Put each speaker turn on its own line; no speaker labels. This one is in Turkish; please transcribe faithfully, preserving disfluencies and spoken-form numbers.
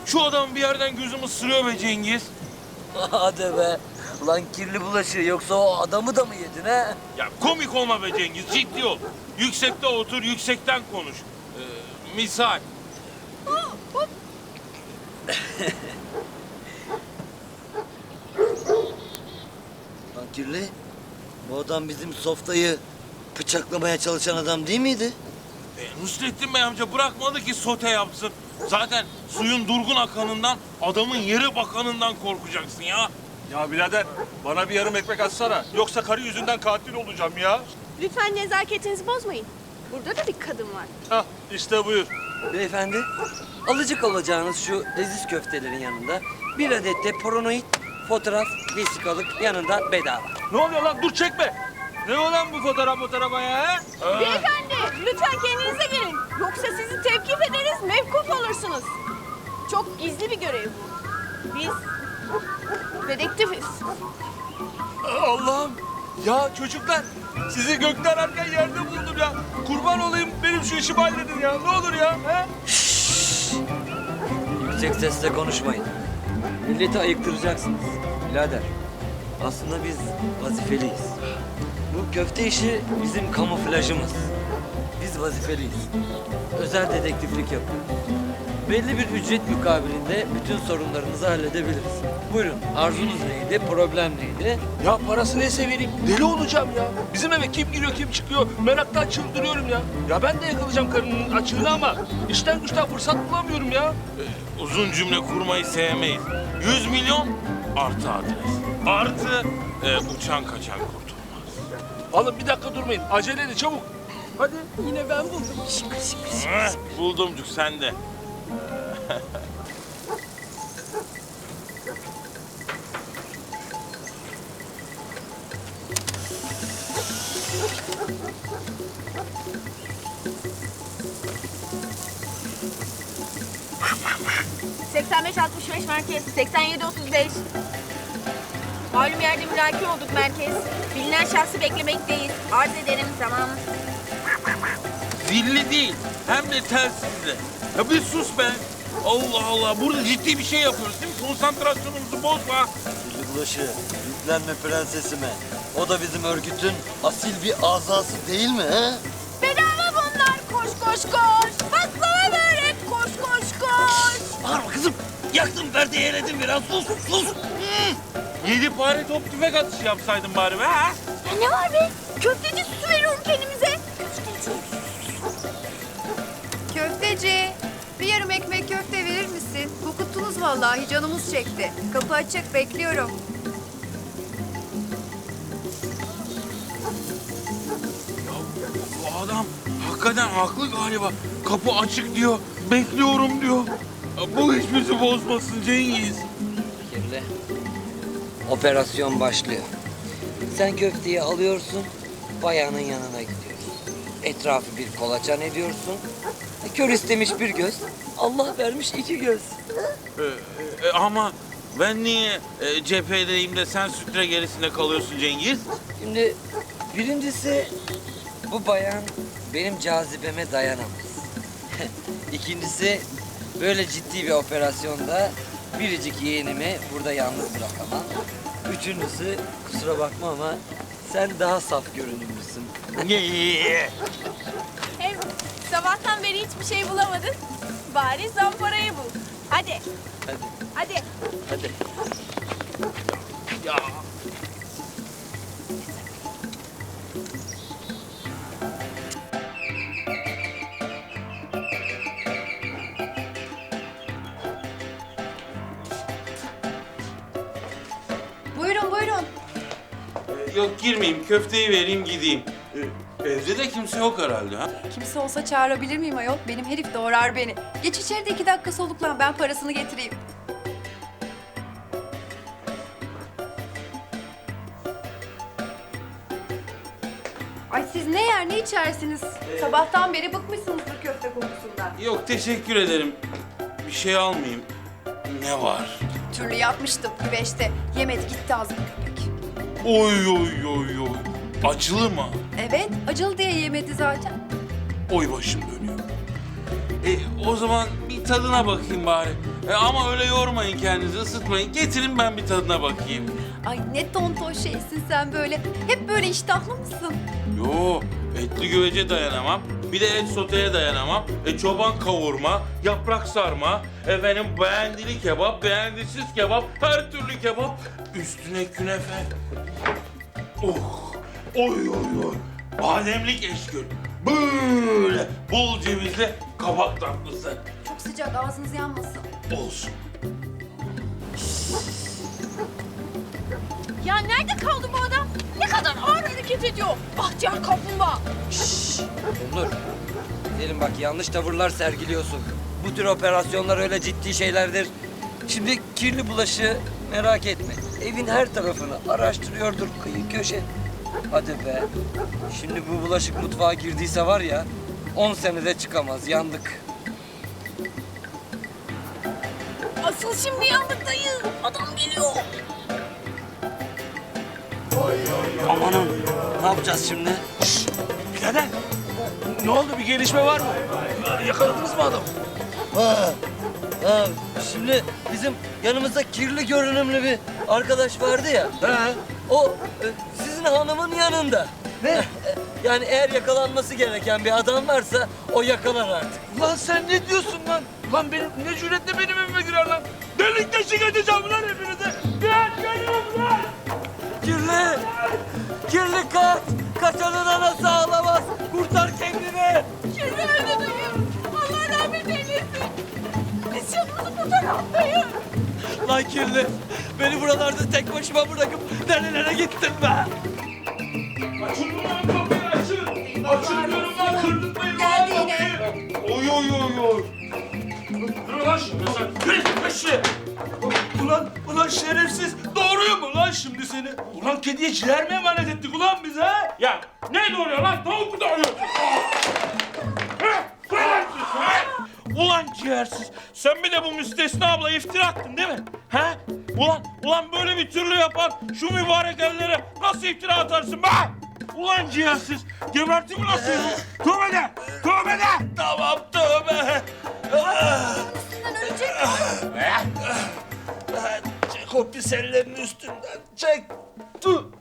Şu adam bir yerden gözümü ısırıyor be Cengiz.
Hadi be. Lan kirli bulaşığı yoksa o adamı da mı yedin he?
Ya komik olma be Cengiz, ciddi ol. Yüksekte otur, yüksekten konuş. Ee, misal.
Lan kirli. Bu adam bizim Softa'yı bıçaklamaya çalışan adam değil miydi?
E, Nusrettin Bey amca bırakmadı ki sote yapsın. Zaten suyun durgun akanından, adamın yere bakanından korkacaksın ya.
Ya birader bana bir yarım ekmek atsana. Yoksa karı yüzünden katil olacağım ya.
Lütfen nezaketinizi bozmayın. Burada da bir kadın var.
Hah işte buyur.
Beyefendi, alıcık olacağınız şu leziz köftelerin yanında bir adet de poronoid fotoğraf vesikalık yanında bedava.
Ne oluyor lan dur çekme. Ne olan bu fotoğraf fotoğrafa ya? he?
Beyefendi lütfen kendinize gelin. Yoksa sizi tevkif ederiz, mevkuf olursunuz. Çok gizli bir görev bu. Biz dedektifiz.
Allah'ım. Ya çocuklar sizi gökten ararken yerde buldum ya. Kurban olayım benim şu işimi halledin ya. Ne olur ya. He?
Yüksek sesle konuşmayın. Milleti ayıktıracaksınız. Birader, aslında biz vazifeliyiz. Bu köfte işi bizim kamuflajımız. Biz vazifeliyiz. Özel dedektiflik yapıyoruz. Belli bir ücret mukabilinde bütün sorunlarınızı halledebiliriz. Buyurun, arzunuz neydi, problem neydi?
Ya parası neyse vereyim. Deli olacağım ya. Bizim eve kim giriyor kim çıkıyor. Meraktan çıldırıyorum ya. Ya ben de yakalayacağım karının açığını ama işten güçten fırsat bulamıyorum ya.
E, uzun cümle kurmayı sevmeyiz. Yüz milyon artı adres. Artı e, uçan kaçan kurtulmaz.
Oğlum bir dakika durmayın. Acele edin çabuk. Hadi.
Yine ben buldum.
Heh, buldumcuk sen de.
seksen beş altmış beş merkez, seksen yedi otuz beş. Malum yerde mülaki olduk merkez. Bilinen şahsı beklemekteyiz. Arz ederim tamam.
Zilli değil, hem de telsizli. Ya bir sus be. Allah Allah, burada ciddi bir şey yapıyoruz değil mi? Konsantrasyonumuzu bozma.
Kirli bulaşığı, yüklenme prensesime. O da bizim örgütün asil bir azası değil mi he?
Bedava bunlar. Koş koş koş. Baklava börek. Koş koş koş.
Bağırma kızım. Yaktım perdeyi eledim biraz. Sus sus.
Yedi fare top tüfek atışı yapsaydın bari be ha?
Ya ne var be? Köfteci süsü veriyorum kendimize. Köfteci.
Köfteci, bir yarım ekmek köfte verir misin? Kokuttunuz vallahi, canımız çekti. Kapı açık, bekliyorum.
Bu adam hakikaten haklı galiba. Kapı açık diyor, bekliyorum diyor. Ya bu iş bizi bozmasın Cengiz.
Kirli. Operasyon başlıyor. Sen köfteyi alıyorsun, bayanın yanına gidiyorsun. Etrafı bir kolaçan ediyorsun. E, Kör istemiş bir göz, Allah vermiş iki göz.
Ee, e, ama ben niye e, cephedeyim de sen sütre gerisinde kalıyorsun Cengiz?
Şimdi birincisi bu bayan benim cazibeme dayanamaz. İkincisi böyle ciddi bir operasyonda biricik yeğenimi burada yalnız bırakamam. Üçüncüsü kusura bakma ama sen daha saf görünümlüsün.
Hem sabahtan beri hiçbir şey bulamadın. Bari zamparayı bul. Hadi.
Hadi
Hadi.
hadi.
Ya.
Buyurun, buyurun.
Ee, Yok girmeyeyim, köfteyi vereyim gideyim. Ee, evde de kimse yok herhalde ha?
Kimse olsa çağırabilir miyim ayol? Benim herif doğrar beni. Geç içeri de iki dakika soluklan, ben parasını getireyim. Ay siz ne yer ne içersiniz? Sabahtan beri bıkmışsınızdır köfte kokusundan.
Yok teşekkür ederim. Bir şey almayayım. Ne var?
Türlü yapmıştım güveçte. Yemedi gitti ağzım köpek.
Oy oy oy oy. Acılı mı?
Evet, acılı diye yemedi zaten.
Oy başım dönüyor. E, o zaman bir tadına bakayım bari. E ama öyle yormayın kendinizi, ısıtmayın. Getirin ben bir tadına bakayım.
Ay ne tonton şeysin sen böyle. Hep böyle iştahlı mısın?
Yo, etli güvece dayanamam. Bir de et soteye dayanamam. E çoban kavurma, yaprak sarma, efendim beğendili kebap, beğendisiz kebap, her türlü kebap. Üstüne künefe. Oh, oy oy oy. Bademlik eşkül. Böyle bol cevizli kabak tatlısı.
Çok sıcak, ağzınız yanmasın.
Olsun.
Ya nerede kaldı bu adam? Ne kadar ağır hareket ediyor. Bahtiyar kaplumbağa.
Onur. Gidelim bak, yanlış tavırlar sergiliyorsun. Bu tür operasyonlar öyle ciddi şeylerdir. Şimdi kirli bulaşı merak etme. Evin her tarafını araştırıyordur, kıyı köşe. Hadi be. Şimdi bu bulaşık mutfağa girdiyse var ya, on senede çıkamaz, yandık.
Asıl şimdi yandık dayı. Adam geliyor.
Amanın, ne yapacağız şimdi?
Birader, ne oldu? Bir gelişme var mı? Yakaladınız mı adamı?
Ha, ha, şimdi bizim yanımızda kirli görünümlü bir arkadaş vardı ya.
He.
O e, sizin hanımın yanında. Ne? Yani eğer yakalanması gereken bir adam varsa o yakalar artık.
Ulan sen ne diyorsun lan? Ulan benim ne cüretle benim evime girer lan? Delik deşik edeceğim lan hepinizi. Gel geliyorum lan.
Kirli! Kirli kaç! Kaçanın anası ağlamaz! Kurtar kendini!
Kirli öldü dayı. Allah rahmet eylesin. Biz canımızı kurtaralım dayı.
Lan kirli! Beni buralarda tek başıma bırakıp nerelere gittin be?
Açın lan kapıyı açın. Açın diyorum lan, kırdırtmayın lan
Geldi
kapıyı. Oy oy oy oy. Dur lan şimdi sen. Yürü peşi.
Ulan, ulan şerefsiz. Doğruyor mu lan şimdi seni? Ulan kediye ciğer mi emanet ettik ulan biz ha?
Ya ne doğuruyor lan? Tavuk mu doğuruyorsun? Heh, söylersin sen. Ulan ciğersiz, sen bir de bu müstesna abla iftira attın değil mi? He? Ulan, ulan böyle bir türlü yapan şu mübarek ellere nasıl iftira atarsın be? Ulan ciğersiz, geberteyim mi lan seni? Tövbe de, tövbe de.
Tamam tövbe.
Üstünden ölecek.
Çek o pis ellerini üstünden. Çek. Dur.